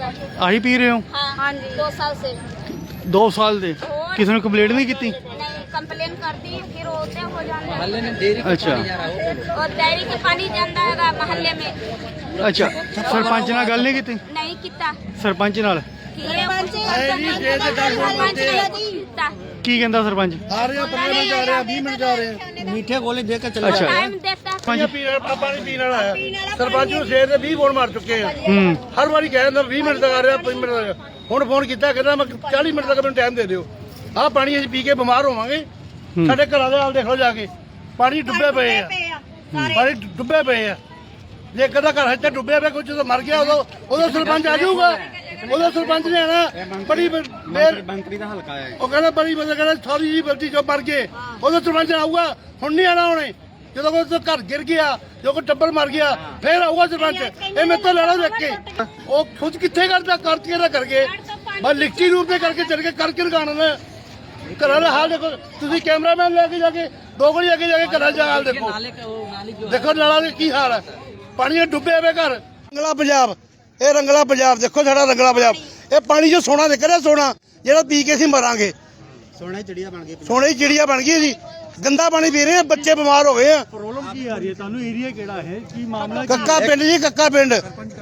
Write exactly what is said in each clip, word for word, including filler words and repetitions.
ਆਹੀ ਪੀ ਰਹੇ ਹੋ? हाँ जी दो साल से। दो साल से किसी ने कंप्लेंट नहीं की? नहीं कंप्लेन कर दी, फिर होते हो जाने। अच्छा और डेयरी के पानी जाता है मोहल्ले में। अच्छा सरपंच नाल गल नहीं की? नहीं किता सरपंच नाल की कहंदा सरपंच? आ रहे हैं पंद्रह मिनट जा रहे हैं बीस मिनट जा रहे हैं मीठे गोले देकर चले अच्छा टाइम देता पानी पानी पीने वाला है सरपंच ਨੂੰ ਸਵੇਰ ਦੇ ਵੀਹ ਫੋਨ ਮਾਰ ਚੁੱਕੇ ਆ ਹਰ ਵਾਰੀ ਕਹਿ ਦਿੰਦਾ ਵੀਹ ਮਿੰਟ ਤੱਕ ਆ ਰਿਹਾ ਪੰਜ ਮਿੰਟ ਤੱਕ ਹੁਣ ਫੋਨ ਕੀਤਾ ਕਹਿੰਦਾ ਮੈਂ ਚਾਲੀ ਮਿੰਟ ਤੱਕ ਮੈਨੂੰ ਟਾਈਮ ਦੇ ਦਿਓ ਆਹ ਪਾਣੀ ਅਸੀਂ ਪੀ ਕੇ ਬਿਮਾਰ ਹੋਵਾਂਗੇ ਸਾਡੇ ਘਰਾਂ ਦੇ ਹਾਲ ਦੇਖੋ ਜਾ ਕੇ ਪਾਣੀ ਡੁੱਬੇ ਪਏ ਆ ਪਾਣੀ ਡੁੱਬੇ ਪਏ ਆ ਜੇ ਕਦਾ ਘਰ ਇੱਥੇ ਡੁੱਬਿਆ ਪਿਆ ਕੋਈ ਜਦੋਂ ਮਰ ਗਿਆ ਉਦੋਂ ਉਦੋਂ ਸਰਪੰਚ ਆ ਜਾਊਗਾ ਉਹਦਾ ਸਰਪੰਚ ਨੇ ਆਣਾ ਬੜੀ ਮੰਤਰੀ ਦਾ ਹਲਕਾ ਹੈ ਉਹ ਕਹਿੰਦਾ ਬੜੀ ਮਤਲਬ ਕਹਿੰਦਾ ਸਾਰੀ ਜੀ ਬਲਦੀ ਜੋ ਮਰ ਗਏ ਉਹਦਾ ਸਰਪੰਚ ਆਊਗਾ ਹੁਣ ਨਹੀਂ ਆਣਾ ਉਹਨੇ ਜਦੋਂ ਕੋਈ ਘਰ ਗਿਰ ਗਿਆ ਜੋ ਕੋਈ ਟੱਬਰ ਮਰ ਗਿਆ ਫੇਰ ਆਊਗਾ ਸਰਪੰਚ ਇਹ ਮੇਰੇ ਤੋਂ ਲੈਣਾ ਦੇਖ ਕੇ ਉਹ ਖੁਦ ਕਿੱਥੇ ਕਰਦਾ ਕਰਕੇ ਨਾ ਕਰਕੇ ਬਸ ਲਿਖਤੀ ਰੂਪ ਤੇ ਕਰਕੇ ਚੱਲ ਕੇ ਕਰਕੇ ਲਗਾਉਣਾ ਨਾ ਘਰਾਂ ਦਾ ਹਾਲ ਦੇਖੋ ਤੁਸੀਂ ਕੈਮਰਾਮੈਨ ਲੈ ਕੇ ਜਾ ਕੇ ਦੋ ਗਲੀ ਅੱਗੇ ਜਾ ਕੇ ਘਰਾਂ ਦਾ ਹਾਲ ਦੇਖੋ ਦੇਖੋ ਨਾਲਾ ਦੇ ਕੀ ਹਾਲ ਹੈ ਪਾਣੀ ਡੁੱਬੇ ਹੋਏ ਘਰ ਰੰਗਲਾ ਪੰਜਾਬ ਇਹ ਰੰਗਲਾ ਪੰਜਾਬ ਦੇਖੋ ਸਾਡਾ ਰੰਗਲਾ ਪੰਜਾਬ ਇਹ ਪਾਣੀ ਜੋ ਸੋਨਾ ਨਿਕਲ ਰਿਹਾ ਸੋਨਾ ਜਿਹੜਾ ਪੀ ਕੇ ਅਸੀਂ ਮਰਾਂਗੇ ਸੋਨੇ ਚਿੜੀਆ ਬਣ ਗਈ ਸੋਨੇ ਦੀ ਚਿੜੀਆ ਬਣ ਗਈ ਜੀ ਗੰਦਾ ਪਾਣੀ ਪੀ ਰਹੇ ਆ ਬੱਚੇ ਬਿਮਾਰ ਹੋ ਗਏ ਆ ਪ੍ਰੋਬਲਮ ਕੀ ਆ ਰਹੀ ਹੈ ਤੁਹਾਨੂੰ? ਏਰੀਆ ਕਿਹੜਾ ਹੈ, ਕੀ ਮਾਮਲਾ? ਕੱਕਾ ਪਿੰਡ ਜੀ ਕੱਕਾ ਪਿੰਡ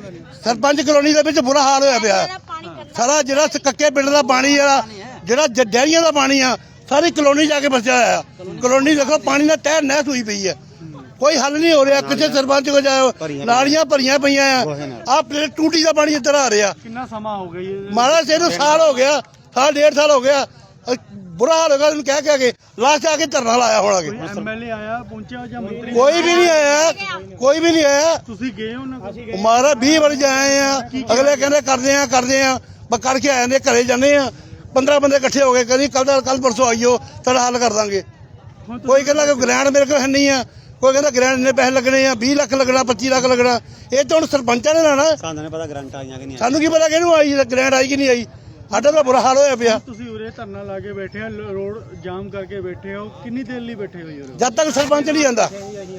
ਸਰਪੰਚ ਕਲੋਨੀ ਦੇ ਵਿੱਚ ਬੁਰਾ ਹਾਲ ਹੋਇਆ ਪਿਆ ਸਾਰਾ ਜਿਹੜਾ ਕੱਕੇ ਪਿੰਡ ਦਾ ਪਾਣੀ ਜਿਹੜਾ ਜਿਹੜਾ ਡੈਰੀਆਂ ਦਾ ਪਾਣੀ ਆ ਸਾਰੀ ਕਲੋਨੀ ਜਾ ਕੇ ਵਸਿਆ ਹੋਇਆ ਕਲੋਨੀ ਦੇਖੋ ਪਾਣੀ ਨਾਲ ਤਹਿ ਨਹਿ ਹੋਈ ਪਈ ਹੈ ਕੋਈ ਹੱਲ ਨਹੀਂ ਹੋ ਰਿਹਾ ਕਿਸੇ ਸਰਪੰਚ ਕੋ ਜਾਓ ਨਾਲੀਆਂ ਭਰੀਆਂ ਪਈਆਂ ਆ ਆਹ ਪਲੇਟ ਟੂਟੀ ਦਾ ਪਾਣੀ ਇੱਧਰ ਆ ਰਿਹਾ ਕਿੰਨਾ ਸਮਾਂ ਹੋ ਗਿਆ ਇਹ? ਮਾਰਾ ਸੇ ਨੂੰ ਸਾਲ ਹੋ ਗਿਆ ਸਾਲ ਡੇਢ ਸਾਲ ਹੋ ਗਿਆ ਬੁਰਾ ਹਾਲ ਹੋ ਗਿਆ ਉਹਨੂੰ ਕਹਿ ਕੇ ਲਾਸਟ ਆ ਕੇ ਧਰਨਾ ਲਾਇਆ ਹੋਣਾ ਕਿ ਐਮਐਲਏ ਆਇਆ ਪਹੁੰਚਿਆ ਜਾਂ ਮੰਤਰੀ? ਕੋਈ ਵੀ ਨਹੀਂ ਆਇਆ ਕੋਈ ਵੀ ਨਹੀਂ ਆਇਆ ਤੁਸੀਂ ਗਏ ਹੋ ਨਾ? ਮਾਰਾ ਵੀਹ ਵਾਰ ਜਾਏ ਆ ਅਗਲੇ ਕਹਿੰਦੇ ਕਰਦੇ ਆ ਕਰਦੇ ਆ ਬਸ ਕਰਕੇ ਆ ਜਾਂਦੇ ਘਰੇ ਜਾਂਦੇ ਆ ਪੰਦਰਾਂ ਬੰਦੇ ਇਕੱਠੇ ਹੋ ਗਏ ਕਹਿੰਦੀ ਕੱਲ ਦਾ ਕੱਲ ਪਰਸੋਂ ਆਈਓ ਤੁਹਾਡਾ ਹੱਲ ਕਰ ਦਾਂਗੇ ਕੋਈ ਕਹਿੰਦਾ ਕਿ ਗ੍ਰੈਂਡ ਮੇਰੇ ਕੋਲ ਹੈ ਨਹੀਂ ਆ ਕੋਈ ਕਹਿੰਦਾ ਗ੍ਰੈਂਡ ਇੰਨੇ ਪੈਸੇ ਲੱਗਣੇ ਆ ਵੀਹ ਲੱਖ ਲੱਗਣਾ ਪੱਚੀ ਲੱਖ ਲੱਗਣਾ ਇਹ ਤਾਂ ਹੁਣ ਸਰਪੰਚਾਂ ਨੇ ਲੈਣਾ ਸਾਨੂੰ ਨਹੀਂ ਪਤਾ ਗਰੰਟ ਆਈਆਂ ਕਿ ਨਹੀਂ ਸਾਨੂੰ ਕੀ ਪਤਾ ਕਿਹਨੂੰ ਆਈ ਗ੍ਰੈਂਡ ਆਈ ਕਿ ਨਹੀਂ ਆਈ ਸਾਡਾ ਤਾਂ ਬੁਰਾ ਹਾਲ ਹੋਇਆ ਪਿਆ ਤੁਸੀਂ ਉਰੇ ਧਰਨਾ ਲਾ ਕੇ ਬੈਠੇ ਆ ਰੋਡ ਜਾਮ ਕਰਕੇ ਬੈਠੇ ਹੋ ਕਿੰਨੀ ਦੇਰ ਲਈ ਬੈਠੇ ਹੋ ਯਾਰ? ਜਦ ਤੱਕ ਸਰਪੰਚ ਨਹੀਂ ਆਂਦਾ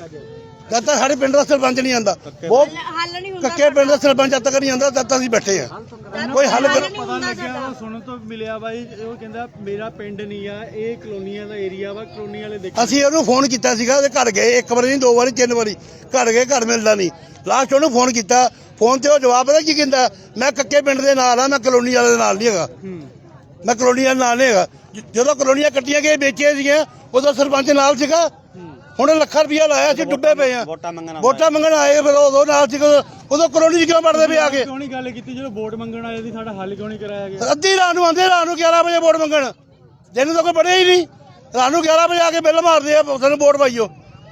ਜਦ ਤੱਕ ਸਾਡੇ ਪਿੰਡ ਦਾ ਸਰਪੰਚ ਨਹੀਂ ਆਂਦਾ ਬਹੁਤ ਕੱਕੇ ਪਿੰਡ ਦਾ ਸਰਪੰਚ ਜਦ ਤੱਕ ਨਹੀਂ ਆਂਦਾ ਤਦ ਤੱਕ ਅਸੀਂ ਬੈਠੇ ਆ ਕੋਈ ਹੱਲ ਪਤਾ ਲੱਗਿਆ ਉਹ ਸੁਣਨ ਤੋਂ ਮਿਲਿਆ ਬਾਈ ਉਹ ਕਹਿੰਦਾ ਮੇਰਾ ਪਿੰਡ ਨਹੀਂ ਆ ਇਹ ਕਲੋਨੀਆਂ ਦਾ ਏਰੀਆ ਵਾ ਕਲੋਨੀ ਵਾਲੇ ਦੇਖੋ ਅਸੀਂ ਉਹਨੂੰ ਫੋਨ ਕੀਤਾ ਸੀਗਾ ਉਹਦੇ ਘਰ ਗਏ ਇੱਕ ਵਾਰੀ ਨਹੀਂ ਦੋ ਵਾਰੀ ਤਿੰਨ ਵਾਰੀ ਘਰ ਗਏ ਘਰ ਮਿਲਦਾ ਨਹੀਂ ਲਾਸਟ ਉਹਨੂੰ ਫੋਨ ਕੀਤਾ ਫੋਨ ਤੇ ਉਹ ਜਵਾਬ ਪਤਾ ਕੀ ਕਹਿੰਦਾ ਮੈਂ ਕੱਕੇ ਪਿੰਡ ਦੇ ਨਾਲ ਆ ਮੈਂ ਕਲੋਨੀ ਵਾਲੇ ਦੇ ਨਾਲ ਨਹੀਂ ਹੈਗਾ ਮੈਂ ਕਲੋਨੀ ਵਾਲੇ ਨਾਲ ਨਹੀਂ ਹੈਗਾ ਜਦੋਂ ਕਲੋਨੀਆਂ ਕੱਟੀਆਂ ਗਏ ਵੇਚੀਆਂ ਸੀਗੀਆਂ ਉਦੋਂ ਸਰਪੰਚ ਨਾਲ ਸੀਗਾ ਹੁਣ ਲੱਖਾਂ ਰੁਪਇਆ ਲਾਇਆ ਸੀ ਡੁੱਬੇ ਪਏ ਆ ਵੋਟਾਂ ਮੰਗਣ ਵੋਟਾਂ ਮੰਗਣ ਆਏ ਫਿਰ ਉਦੋਂ ਨਾਲ ਸੀ ਉਦੋਂ ਕਲੋਨੀ ਚ ਕਿਉਂ ਵੜਦੇ ਪਏ ਆ ਕੇ ਕਿਉਂ ਨਹੀਂ ਗੱਲ ਕੀਤੀ ਜਦੋਂ ਵੋਟ ਮੰਗਣ ਆਏ ਸੀ ਸਾਡਾ ਹੱਲ ਕਿਉਂ ਨਹੀਂ ਕਰਾਇਆ ਗਿਆ? ਅੱਧੀ ਰਾਤ ਨੂੰ ਆਉਂਦੇ ਰਾਤ ਨੂੰ ਗਿਆਰਾਂ ਵਜੇ ਵੋਟ ਮੰਗਣ ਜਿਹਨੂੰ ਤਾਂ ਕੋਈ ਪੜਿਆ ਹੀ ਨਹੀਂ ਰਾਤ ਨੂੰ ਗਿਆਰਾਂ ਵਜੇ ਆ ਕੇ ਬਿੱਲ ਮਾਰਦੇ ਆ ਸਾਨੂੰ ਵੋਟ ਪਾਈਓ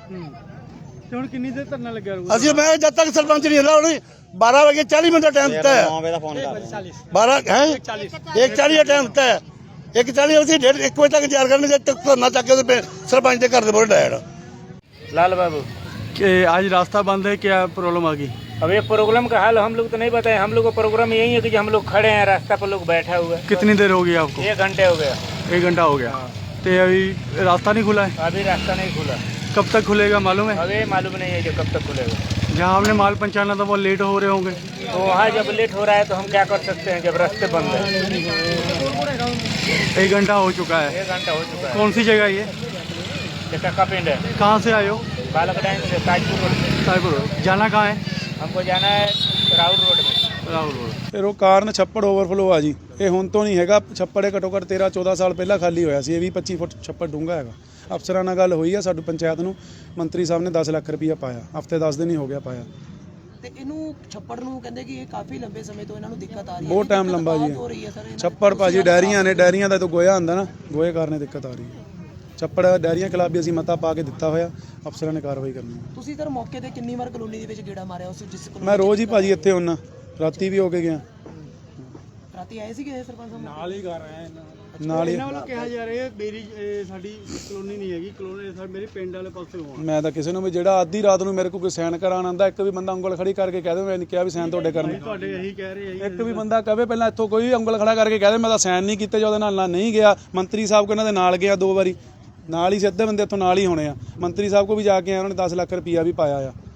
ਤੇ ਹੁਣ ਕਿੰਨੀ ਦੇਰ ਧਰਨਾ ਲੱਗਿਆ ਰਹੂਗਾ? ਅਸੀਂ ਮੈਂ ਜਦ ਤੱਕ ਸਰਪੰਚ ਨਹੀਂ ਹੁੰਦਾ ਉਹਨੇ ਬਾਰਾਂ ਵਜੇ ਚਾਲੀ ਮਿੰਟ ਦਾ ਟਾਈਮ ਦਿੱਤਾ ਹੈ ਨੌਂ ਵਜੇ ਦਾ ਫੋਨ ਕਰ ਬਾਰਾਂ ਹੈ ਇੱਕ ਚਾਲੀ ਦਾ ਟਾਈਮ ਦਿੱਤਾ ਹੈ ਇੱਕ ਚਾਲੀ ਅਸੀਂ ਡੇਢ ਇੱਕ ਵਜੇ ਤੱਕ ਤਿਆਰ ਕਰਨਗੇ ਜਦ ਤੱਕ ਧਰਨਾ ਚੱਕ ਕੇ ਉਹਦੇ ਸਰਪੰਚ ਦੇ ਘਰ ਦੇ ਮੋਹਰੇ ਡਾਇੜ लाल बाबू कि आज रास्ता बंद है, क्या प्रॉब्लम आ गई? अब ये प्रोग्राम का हाल हम लोग तो नहीं बताए। हम लोग का प्रोग्राम यही है कि हम लोग खड़े हैं रास्ता पर लोग बैठा हुआ है। कितनी देर हो गई आपको? एक घंटे हो गया। एक घंटा हो गया। तो अभी रास्ता नहीं खुला है? अभी रास्ता नहीं खुला। कब तक खुलेगा मालूम है? अभी मालूम नहीं है जो कब तक खुलेगा। जहाँ हमने माल पहुँचाना था वो लेट हो रहे होंगे। तो वहाँ जब लेट हो रहा है तो हम क्या कर सकते हैं जब रास्ते बंद है। एक घंटा हो चुका है। एक घंटा हो चुका है। कौन सी जगह ये? ये कक्का पिंड है। कहाँ से आए हो? बालकडाइन से ताजपुर रोड से। साहिबपुर रोड। जाना कहाँ है? हमको जाना है राहुल रोड में। राहुल रोड। ਫਿਰ ਉਹ ਕਾਰਨ ਛੱਪੜ ਓਵਰਫਲੋ ਆ ਜੀ ਇਹ ਹੁਣ ਤੋਂ ਨਹੀਂ ਹੈਗਾ ਛੱਪੜ ਇਹ ਘੱਟੋ ਘੱਟ ਤੇਰਾਂ ਚੌਦਾਂ ਸਾਲ ਪਹਿਲਾਂ ਖਾਲੀ ਹੋਇਆ ਸੀ ਇਹ ਵੀਹ ਪੱਚੀ ਫੁੱਟ ਛੱਪੜ ਡੂੰਘਾ ਹੈਗਾ ਅਫਸਰਾਂ ਨਾਲ ਗੱਲ ਹੋਈ ਆ ਸਾਡੀ ਪੰਚਾਇਤ ਨੂੰ ਮੰਤਰੀ ਸਾਹਿਬ ਨੇ ਦਸ ਲੱਖ ਰੁਪਈਆ ਪਾਇਆ ਹਫਤੇ ਦਸ ਦਿਨ ਹੀ ਹੋ ਗਿਆ ਪਾਇਆ ਤੇ ਇਹਨੂੰ ਛੱਪੜ ਨੂੰ ਕਹਿੰਦੇ ਕਿ ਇਹ ਕਾਫੀ ਲੰਬੇ ਸਮੇਂ ਤੋਂ ਇਹਨਾਂ ਨੂੰ ਦਿੱਕਤ ਆ ਰਹੀ ਹੈ ਬਹੁਤ ਟਾਈਮ ਲੰਬਾ ਜੀ ਹੋ ਰਹੀ ਹੈ ਸਰ ਛੱਪੜ ਭਾਜੀ ਡੈਰੀਆਂ ਨੇ ਡੈਰੀਆਂ ਦਾ ਤਾਂ ਗੋਇਆ ਹੁੰਦਾ ਨਾ ਗੋਏ ਕਾਰਨ ਦਿੱਕਤ ਆ ਰਹੀ ਹੈ ਛੱਪੜ ਡੈਰੀਆਂ ਖਿਲਾਫ ਵੀ ਅਸੀਂ ਮਤਾ ਪਾ ਕੇ ਦਿੱਤਾ ਹੋਇਆ ਅਫਸਰਾਂ ਨੇ ਕਾਰਵਾਈ ਕਰਨੀ ਹੈ ਤੁਸੀਂ ਸਰ ਮੌਕੇ ਤੇ ਕਿੰਨੀ ਵਾਰ ਕਲੋਨੀ ਦੇ ਵਿੱਚ ਗੇੜਾ ਮਾਰਿਆ ਉਸ ਜਿਸ ਮੈਂ ਰੋਜ਼ ਹੀ ਭਾਜੀ ਇੱਥੇ ਹੁੰਨਾ ਰਾਤੀ ਵੀ ਹੋ ਕੇ ਗਿਆ ਰਾਤੀ ਆਏ ਸੀਗੇ ਸਰਪੰਚ ਸਾਹਿਬ ਨਾਲ ਹੀ ਕਰ ਰਹੇ ਨਾਲ ਹੀ ਇਹਨਾਂ ਵੱਲੋਂ ਕਿਹਾ ਜਾ ਰਿਹਾ ਮੇਰੀ ਸਾਡੀ ਕਲੋਨੀ ਨਹੀਂ ਹੈਗੀ ਕਲੋਨੀ ਸਾਡੀ ਮੇਰੇ ਪਿੰਡ ਵਾਲੇ ਪਾਸੇ ਹੋਣ ਮੈਂ ਤਾਂ ਕਿਸੇ ਨੂੰ ਵੀ ਜਿਹੜਾ ਅੱਧੀ ਰਾਤ ਨੂੰ ਮੇਰੇ ਕੋਲ ਕੋਈ ਸਾਈਨ ਕਰਾਉਣ ਆਉਂਦਾ ਇੱਕ ਵੀ ਬੰਦਾ ਉਂਗਲ ਖੜੀ ਕਰਕੇ ਕਹਿ ਦੇ ਮੈਂ ਨਹੀਂ ਕਿਹਾ ਵੀ ਸਾਈਨ ਤੁਹਾਡੇ ਕਰਨੇ ਤੁਹਾਡੇ ਇਹੀ ਕਹਿ ਰਹੇ ਆ ਇੱਕ ਵੀ ਬੰਦਾ ਕਹੇ ਪਹਿਲਾਂ ਇੱਥੋਂ ਕੋਈ ਉਂਗਲ ਖੜਾ ਕਰਕੇ ਕਹਿ ਦੇ ਮੈਂ ਤਾਂ ਸਾਈਨ ਨਹੀਂ ਕੀਤੇ ਜਾਂ ਉਹਦੇ ਨਾਲ ਨਾ ਨਹੀਂ ਗਿਆ ਮੰਤਰੀ ਸਾਹਿਬ ਕੋ ਇਹਨਾਂ ਦੇ ਨਾਲ ਗਿਆ ਦੋ ਵਾਰੀ ਨਾਲ ਹੀ ਸਿੱਧੇ ਬੰਦੇ ਇੱਥੋਂ ਨਾਲ ਹੀ ਹੋਣੇ ਆ ਮੰਤਰੀ ਸਾਹਿਬ ਕੋ ਵੀ ਜਾ ਕੇ ਆਏ ਉਹਨਾਂ ਨੇ ਦਸ ਲੱਖ ਰੁਪਈਆ ਵੀ ਪਾਇਆ ਆ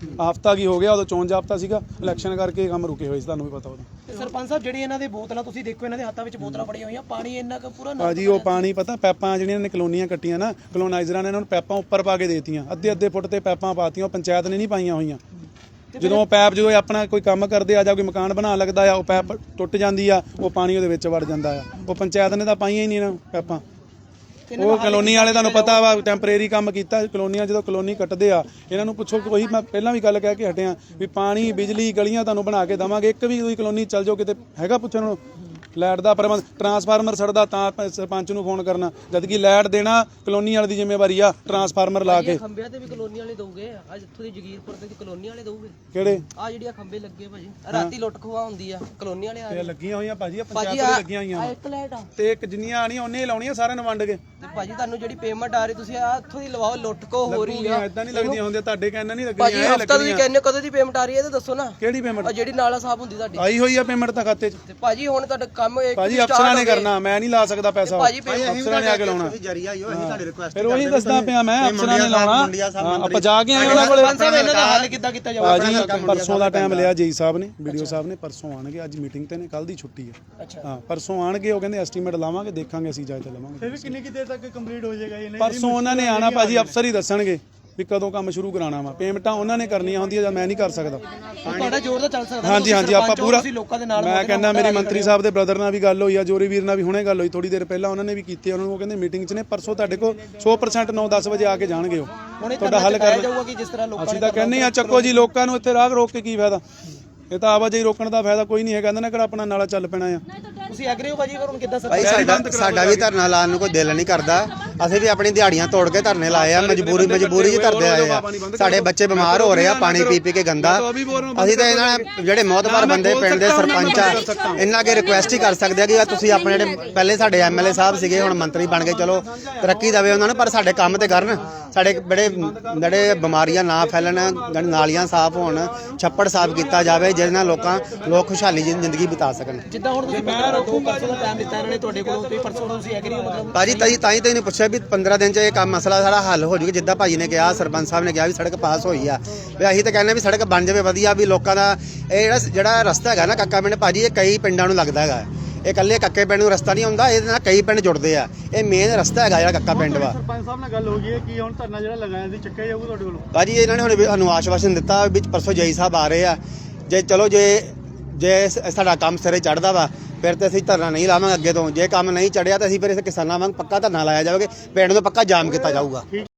ਹਫ਼ਤਾ ਕੀ ਹੋ ਗਿਆ, ਉਦੋਂ ਚੋਣ ਜਾਬਤਾ ਸੀਗਾ, ਇਲੈਕਸ਼ਨ ਕਰਕੇ ਕੰਮ ਰੁਕੇ ਹੋਏ ਸੀ, ਤੁਹਾਨੂੰ ਵੀ ਪਤਾ ਉਦੋਂ। ਤੇ ਸਰਪੰਚ ਸਾਹਿਬ ਜਿਹੜੀ ਇਹਨਾਂ ਦੇ ਬੋਤਲਾਂ ਤੁਸੀਂ ਦੇਖੋ, ਇਹਨਾਂ ਦੇ ਹੱਥਾਂ ਵਿੱਚ ਬੋਤਲਾਂ ਫੜੀਆਂ ਹੋਈਆਂ, ਪਾਣੀ ਇੰਨਾ ਕੁ ਪੂਰਾ ਨਾ ਭਾਜੀ ਉਹ ਪਾਣੀ ਪਤਾ ਪੈਪਾਂ ਜਿਹੜੀਆਂ ਨੇ ਕਲੋਨੀਆਂ ਕੱਟੀਆਂ ਨਾ, ਕਲੋਨਾਈਜ਼ਰਾਂ ਨੇ ਇਹਨਾਂ ਨੂੰ ਪੈਪਾਂ ਉੱਪਰ ਪਾ ਕੇ ਦੇਤੀਆਂ, ਅੱਧੇ ਅੱਧੇ ਫੁੱਟ ਤੇ ਪੈਪਾਂ ਪਾਤੀਆਂ, ਉਹ ਪੰਚਾਇਤ ਨੇ ਨਹੀਂ ਪਾਈਆਂ ਹੋਈਆਂ। ਜਦੋਂ ਪੈਪ ਜਦੋਂ ਆਪਣਾ ਕੋਈ ਕੰਮ ਕਰਦੇ ਆ ਜਾਂ ਕੋਈ ਮਕਾਨ ਬਣਾਉਣ ਲੱਗਦਾ ਆ, ਉਹ ਪੈਪ ਟੁੱਟ ਜਾਂਦੀ ਆ, ਉਹ ਪਾਣੀ ਉਹਦੇ ਵਿੱਚ ਵੜ ਜਾਂਦਾ ਆ, ਉਹ ਪੰਚਾਇਤ ਨੇ ਤਾਂ ਪਾਈਆਂ ਹੀ ਨਹੀਂ ਇਹਨਾਂ ਪੈਪਾਂ। ਉਹ ਕਲੋਨੀ ਵਾਲੇ ਤੁਹਾਨੂੰ ਪਤਾ ਵਾ ਟੈਂਪਰੇਰੀ ਕੰਮ ਕੀਤਾ, ਕਲੋਨੀਆਂ ਜਦੋਂ ਕਲੋਨੀ ਕੱਟਦੇ ਆ ਇਹਨਾਂ ਨੂੰ ਪੁੱਛੋ, ਕੋਈ ਮੈਂ ਪਹਿਲਾਂ ਵੀ ਗੱਲ ਕਹਿ ਕੇ ਹਟਿਆ ਵੀ ਪਾਣੀ ਬਿਜਲੀ ਗਲੀਆਂ ਤੁਹਾਨੂੰ ਬਣਾ ਕੇ ਦੇਵਾਂਗੇ, ਇੱਕ ਵੀ ਕੋਈ ਕਲੋਨੀ ਚੱਲ ਜਾਓ ਕਿਤੇ ਹੈਗਾ ਪੁੱਛਣ ਨੂੰ ਲਾਈਟ ਦਾ ਪ੍ਰਬੰਧ, ਟਰਾਂਸਫਾਰਮਰ ਸੜਦਾ ਤਾਂ ਸਰਪੰਚ ਨੂੰ ਫੋਨ ਕਰਨਾ, ਜਦ ਕਿ ਲਾਈਟ ਦੇਣਾ ਕਲੋਨੀ ਵਾਲੇ ਦੀ ਜ਼ਿੰਮੇਵਾਰੀ ਆ, ਟਰਾਂਸਫਾਰਮਰ ਲਾ ਕੇ। ਖੰਭਿਆਂ ਤੇ ਵੀ ਕਲੋਨੀ ਵਾਲੇ ਦਊਗੇ, ਅੱਜ ਇੱਥੋਂ ਦੀ ਜਗੀਰਪੁਰ ਤੇ ਕਲੋਨੀ ਵਾਲੇ ਦਊਗੇ। ਕਿਹੜੇ ਆ ਜਿਹੜੀਆਂ ਖੰਭੇ ਲੱਗੇ ਭਾਜੀ, ਰਾਤੀ ਲੁੱਟ ਖੋਆ ਹੁੰਦੀ ਆ, ਕਲੋਨੀ ਵਾਲੇ ਆ ਇਹ ਲੱਗੀਆਂ ਹੋਈਆਂ ਭਾਜੀ, ਆ ਭਾਜੀ ਪੰਚਾਇਤ ਦੇ ਲੱਗੀਆਂ ਹੋਈਆਂ ਆ ਇੱਕ ਲਾਈਟ ਆ ਤੇ ਇੱਕ ਜਿੰਨੀਆਂ ਆਣੀਆਂ ਉਹਨੇ ਹੀ ਲਾਉਣੀਆਂ ਸਾਰਿਆਂ ਨੂੰ ਵੰਡ ਕੇ। ਤੇ ਭਾਜੀ ਤੁਹਾਨੂੰ ਜਿਹੜੀ ਪੇਮੈਂਟ ਆ ਰਹੀ ਤੁਸੀਂ ਆ ਇੱਥੋਂ ਦੀ ਲਵਾਓ, ਲੁੱਟ ਖੋ ਹੋ ਰਹੀ ਆ। ਇਦਾਂ ਨਹੀਂ ਲੱਗਦੀਆਂ ਹੁੰਦੀਆਂ, ਤੁਹਾਡੇ ਕਹਿਣਾ ਨਹੀਂ ਭਾਜੀ ਲੱਗਣੀਆਂ, ਹਫਤਾ ਤੁਸੀਂ ਕਹਿੰਦੇ ਕਦੋਂ ਦੀ ਪੇਮੈਂਟ ਆ ਰਹੀ ਹੈ ਇਹ ਤਾਂ ਦੱਸੋ ਨਾ। ਕਿਹੜੀ ਪੇਮੈਂਟ ਆ ਜਿਹੜੀ ਨਾਲਾ ਸਾਹਿਬ ਹੁੰਦੀ ਤੁਹਾਡੀ ਆਈ ਹੋਈ ਆ ਪੇਮੈਂਟ ਤਾਂ ਖਾਤੇ 'ਚ। ਤੇ ਭਾਜੀ ਹੁਣ ਤੁਹਾਡਾ ਕੰਮ ਇੱਕ ਭਾਜੀ ਅਫਸਰਾਂ ਨੇ ਕਰਨਾ, ਮੈਂ ਨਹੀਂ ਲਾ ਸਕਦਾ ਪੈਸਾ, ਭਾਜੀ ਅਫਸਰਾਂ ਨੇ ਆ ਕੇ ਲਾਉਣਾ। ਜਰੀਆ ਹੀ ਉਹ ਅਸੀਂ ਤੁਹਾਡੀ ਰਿਕੁਐਸਟ ਫਿਰ ਉਹੀ ਦੱਸਦਾ ਪਿਆ ਮੈਂ, ਅਫਸਰਾਂ ਨੇ ਲਾਉਣਾ। ਆਪਾਂ ਜਾ ਕੇ ਆਏ ਉਹਨਾਂ ਕੋਲੇ। ਸਰਪੰਚ ਸਾਹਿਬ ਇਹਨਾਂ ਦਾ ਹੱਲ ਕਿੱਦਾਂ ਕੀਤਾ ਜਾਊਗਾ? ਭਾਜੀ ਪਰਸੋਂ ਦਾ ਟਾਈਮ ਲਿਆ ਜੀ ਸਾਹਿਬ ਨੇ, ਵੀਡੀਓ ਸਾਹਿਬ ਨੇ, ਪਰਸੋਂ ਆਣਗੇ, ਅੱਜ ਮੀਟਿੰਗ ਤੇ ਨੇ, ਕੱਲ ਦੀ ਛੁੱਟੀ ਹੈ। ਹਾਂ ਪਰਸੋਂ ਆਣਗੇ, ਉਹ ਕਹਿੰਦੇ ਐਸਟੀਮੇਟ ਲਾਵਾਂਗੇ, ਦੇਖਾਂਗੇ ਅਸੀਂ ਇਜਾਜ਼ਤ ਲਵਾਂਗੇ। ਫਿਰ ਵੀ ਕਿੰਨੀ ਕਿ ਦੇਰ ਤੱਕ ਕੰਪਲੀਟ ਹੋ ਜਾਏਗਾ ਇਹ? ਪਰਸੋਂ ਉਹਨਾਂ ਨੇ ਆਣਾ ਭਾਜੀ, ਅਫਸਰ ਹੀ ਦੱਸਣਗੇ ਵੀ ਕਦੋਂ ਕੰਮ ਸ਼ੁਰੂ ਕਰਾਉਣਾ ਵਾ, ਪੇਮੈਂਟਾਂ ਉਹਨਾਂ ਨੇ ਕਰਨੀਆਂ ਹੁੰਦੀਆਂ ਜਾਂ ਮੈਂ ਨਹੀਂ ਕਰ ਸਕਦਾ। ਤੁਹਾਡਾ ਜ਼ੋਰ ਤਾਂ ਚੱਲ ਸਕਦਾ। ਹਾਂਜੀ ਹਾਂਜੀ ਆਪਾਂ ਪੂਰਾ, ਲੋਕਾਂ ਦੇ ਨਾਲ ਮੈਂ ਕਹਿੰਦਾ ਮੇਰੀ ਮੰਤਰੀ ਸਾਹਿਬ ਦੇ ਬ੍ਰਦਰ ਨਾਲ ਵੀ ਗੱਲ ਹੋਈ ਆ, ਜੋਰੀ ਵੀਰ ਨਾਲ ਵੀ ਹੁਣੇ ਗੱਲ ਹੋਈ ਥੋੜੀ ਦੇਰ ਪਹਿਲਾਂ, ਉਹਨਾਂ ਨੇ ਵੀ ਕੀਤੀ, ਉਹਨਾਂ ਨੂੰ ਉਹ ਕਹਿੰਦੇ ਮੀਟਿੰਗ 'ਚ ਨੇ, ਪਰਸੋਂ ਤੁਹਾਡੇ ਕੋਲ ਸੌ ਪ੍ਰਸੈਂਟ ਨੌ ਦਸ ਵਜੇ ਆ ਕੇ ਜਾਣਗੇ, ਉਹ ਤੁਹਾਡਾ ਹੱਲ ਕਰ ਜਾਊਗਾ ਕਿ ਜਿਸ ਤਰ੍ਹਾਂ ਲੋਕਾਂ ਅਸੀਂ ਤਾਂ ਕਹਿੰਦੇ ਆ ਚੱਕੋ ਜੀ, ਲੋਕਾਂ ਨੂੰ ਇੱਥੇ ਰਾਹ ਰੋਕ ਕੇ ਕੀ ਫਾਇਦਾ, ਇਹ ਤਾਂ ਆਵਾਜਾਈ ਰੋਕਣ ਦਾ ਫਾਇਦਾ ਕੋਈ ਨਹੀਂ ਹੈ, ਕਹਿੰਦੇ ਨੇ ਕਿਹੜਾ ਆਪਣਾ ਨਾਲਾ ਚੱਲ ਪੈਣਾ ਆ। ਤੁਸੀਂ ਐਗਰੀ ਹੋ ਭਾਜੀ? ਫਿਰ ਹੁਣ ਕਿੱਦਾਂ ਭਾਈ ਸਾਡਾ ਸਾਡਾ ਵੀ ਧਰਨਾ ਲਾਉਣ ਨੂੰ ਕੋਈ ਦਿਲ ਨਹੀਂ ਕਰਦਾ, ਅਸੀਂ ਵੀ ਆਪਣੀ ਦਿਹਾੜੀਆਂ ਤੋੜ ਕੇ ਧਰਨੇ ਲਾਏ ਆ, ਮਜਬੂਰੀ ਮਜਬੂਰੀ 'ਚ ਧਰਦੇ ਆਏ ਆ। ਸਾਡੇ ਬੱਚੇ ਬਿਮਾਰ ਹੋ ਰਹੇ ਆ ਪਾਣੀ ਪੀ ਪੀ ਕੇ ਗੰਦਾ। ਅਸੀਂ ਤਾਂ ਇਹਨਾਂ ਜਿਹੜੇ ਮੋਹਤਬਾਰ ਬੰਦੇ ਪਿੰਡ ਦੇ ਸਰਪੰਚ ਆ, ਇਹਨਾਂ ਅੱਗੇ ਰਿਕੁਐਸਟ ਹੀ ਕਰ ਸਕਦੇ ਆ ਕਿ ਤੁਸੀਂ ਆਪਣੇ ਜਿਹੜੇ ਪਹਿਲੇ ਸਾਡੇ ਐਮਐਲਏ ਸਾਹਿਬ ਸੀਗੇ, ਹੁਣ ਮੰਤਰੀ ਬਣ ਗਏ, ਚਲੋ ਤਰੱਕੀ ਦੇਵੇ ਉਹਨਾਂ ਨੂੰ, ਪਰ ਸਾਡੇ ਕੰਮ ਤੇ ਕਰਨ, ਸਾਡੇ ਬੜੇ ਜਿਹੜੇ ਬਿਮਾਰੀਆਂ ਨਾ ਫੈਲਣ, ਨਾਲੀਆਂ ਸਾਫ਼ ਹੋਣ, ਛੱਪੜ ਸਾਫ਼ ਕੀਤਾ ਜਾਵੇ, ਜਿਹਦੇ ਨਾਲ ਲੋਕਾਂ ਲੋਕ ਖੁਸ਼ਹਾਲੀ ਜ਼ਿੰਦਗੀ ਬਿਤਾ ਸਕਣ। ਜਿੱਦਾਂ ਹੁਣ ਤੁਸੀਂ ਦੋ ਪਰਸੋਂ ਦਾ ਟਾਈਮ ਦਿੱਤਾ ਇਹਨਾਂ ਨੇ ਤੁਹਾਡੇ ਕੋਲੋਂ, ਤੇ ਪਰਸੋਂ ਤੁਸੀਂ ਐਗਰੀ ਹੋ ਮਤਲਬ? ਭਾਜੀ ਤਾਈ ਤਾਈ ਤਾਂ ਇਹਨੇ ਪੁੱਛਿਆ ਵੀ ਪੰਦਰਾਂ ਦਿਨ 'ਚ ਇਹ ਕੰਮ ਮਸਲਾ ਸਾਰਾ ਹੱਲ ਹੋ ਜੂਗਾ, ਜਿੱਦਾਂ ਭਾਜੀ ਨੇ ਕਿਹਾ, ਸਰਪੰਚ ਸਾਹਿਬ ਨੇ ਕਿਹਾ ਵੀ ਸੜਕ ਪਾਸ ਹੋਈ ਆ, ਵੀ ਅਸੀਂ ਤਾਂ ਕਹਿੰਦੇ ਵੀ ਸੜਕ ਬਣ ਜਾਵੇ ਵਧੀਆ, ਵੀ ਲੋਕਾਂ ਦਾ ਇਹ ਜਿਹੜਾ ਜਿਹੜਾ ਰਸਤਾ ਹੈਗਾ ਨਾ ਕੱਕਾ ਪਿੰਡ ਭਾਜੀ, ਇਹ ਕਈ ਪਿੰਡਾਂ ਨੂੰ ਲੱਗਦਾ ਹੈਗਾ, ਇਹ ਇਕੱਲੇ ਕੱਕੇ ਪਿੰਡ ਨੂੰ ਰਸਤਾ ਨਹੀਂ ਹੁੰਦਾ, ਇਹਦੇ ਨਾਲ ਕਈ ਪਿੰਡ ਜੁੜਦੇ ਆ, ਇਹ ਮੇਨ ਰਸਤਾ ਹੈਗਾ ਜਿਹੜਾ ਕੱਕਾ ਪਿੰਡ ਵਾ। ਸਰਪੰਚ ਸਾਹਿਬ ਨਾਲ ਗੱਲ ਹੋ ਗਈ ਹੈ ਕਿ ਹੁਣ ਧਰਨਾ ਜਿਹੜਾ ਲਗਾਇਆ ਸੀ ਚੱਕਿਆ ਜਾਊਗਾ ਤੁਹਾਡੇ ਕੋਲੋਂ? ਭਾਜੀ ਇਹਨਾਂ ਨੇ ਹੁਣ ਸਾਨੂੰ ਆਸ਼ਵਾਸਨ ਦਿੱਤਾ ਵਿੱਚ ਪਰਸੋਂ ਜੈ ਸਾਹਿਬ ਆ ਰਹੇ ਆ, ਜੇ ਚਲੋ ਜੇ ਜੇ ਸਾਡਾ ਕੰਮ ਸਿਰੇ ਚੜਦਾ ਵਾ ਫਿਰ ਤੇ ਅਸੀਂ ਧਰਨਾ ਨਹੀਂ ਲਾਵਾਂਗੇ ਅੱਗੇ ਤੋਂ, ਜੇ ਕੰਮ ਨਹੀਂ ਚੜਿਆ ਤਾਂ ਅਸੀਂ ਫਿਰ ਇਸ ਕਿਸਾਨਾਂ ਵਾਂਗ ਪੱਕਾ ਧਰਨਾ ਲਾਇਆ ਜਾਵੇਗਾ, ਪਿੰਡ ਨੂੰ ਪੱਕਾ ਜਾਮ ਕੀਤਾ ਜਾਊਗਾ।